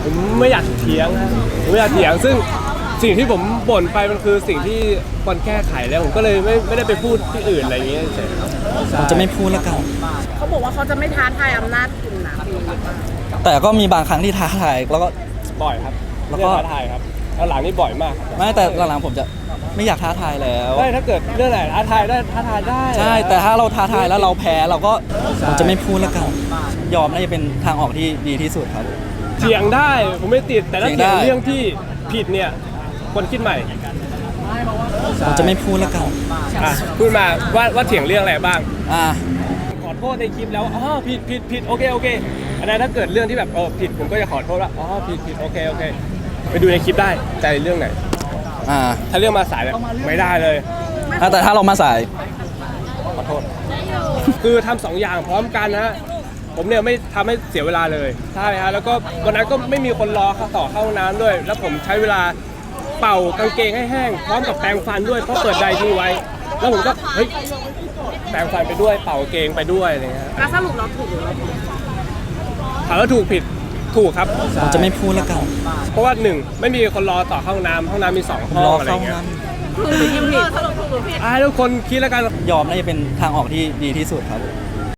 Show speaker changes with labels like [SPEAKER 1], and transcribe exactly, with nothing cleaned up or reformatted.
[SPEAKER 1] ผมไม่อยากเถียงนะผมไม่อยากเถียงซึ่งสิ่งที่ผมบ่นไปมันคือสิ่งที่ควรแก้ไขแล้วผมก็เลยไม่ไม่ได้ไปพูดที่อื่นอะไรอย่างเงี้ยเฉยครับ
[SPEAKER 2] ผมจะไม่พูดแล้วกัน
[SPEAKER 3] เขาบอกว่าเขาจะไม่ท้าทายอำนาจคุณนะปีนี้
[SPEAKER 2] แต่ก็มีบางครั้งที่ท้าทายแล้วก็
[SPEAKER 1] บ่อยครับแล้วก็ท้าทายครับหลังนี่บ่อยมาก
[SPEAKER 2] ไม่แต่หลังๆผมจะไม่อยากท้าทายแล้ว
[SPEAKER 1] ไม่ถ้าเกิดเรื่องไหนท้าทายได้ท้าทายได้
[SPEAKER 2] ใช่แต่ถ้าเราท้าทายแล้วเราแพ้เราก็ผมจะไม่พูดแล้วกันยอมน่าจะเป็นทางออกที่ดีที่สุดครับ
[SPEAKER 1] เถียงได้ผมไม่ติดแต่ถ้าเถียงเรื่องที่ผิดเนี่ยคนคิดใหม่
[SPEAKER 2] ผมจะไม่พูดแล้วกัน
[SPEAKER 1] พูดมาว่าว่าเถียงเรื่องอะไรบ้าง
[SPEAKER 2] อ่า
[SPEAKER 1] ขอโทษในคลิปแล้วอ๋อผิดผิดผิดโอเคโอเคอันนั้นถ้าเกิดเรื่องที่แบบเออผิดผมก็จะขอโทษว่าอ๋อผิดผิดโอเคโอเคไปดูในคลิปได้ใจเรื่องไหน
[SPEAKER 2] อ่า
[SPEAKER 1] ถ้าเรื่องมาสายไม่ได้เลย
[SPEAKER 2] แต่ถ้าเรามาสาย
[SPEAKER 1] ขอโทษคือทำสองอย่างพร้อมกันนะผมเนี่ยไม่ทำให้เสียเวลาเลยใช่ฮะแล้วก็วันนั้นก็ไม่มีคนรอต่อเข้าห้องน้ำด้วยแล้วผมใช้เวลาเป่ากางเกงให้แห้งพร้อมกับแปรงฟันด้วยเพราะเปิดไดร์ทิ้งไว้แล้วผมก็เฮ้ยแปรงฟันไปด้วยเป่ากางเกงไปด้วยอะไรเงี้ย
[SPEAKER 3] แล้วสรุปเราถูกหรือเราผิด
[SPEAKER 1] ถามว่าถูกผิดถูกครับ
[SPEAKER 2] ผมจะไม่พูดแล้วกัน
[SPEAKER 1] เพราะว่าหนึ่งไม่มีคนรอต่อเข้าห้องน้ำห้องน้ำมีสองห้องอะไรเงี้ย
[SPEAKER 3] ถูกหรือผิดสรุปถูกหรือผิด
[SPEAKER 1] อ่าทุกคนคิดแล้วกัน
[SPEAKER 2] ยอมน่าจะเป็นทางออกที่ดีที่สุดครับ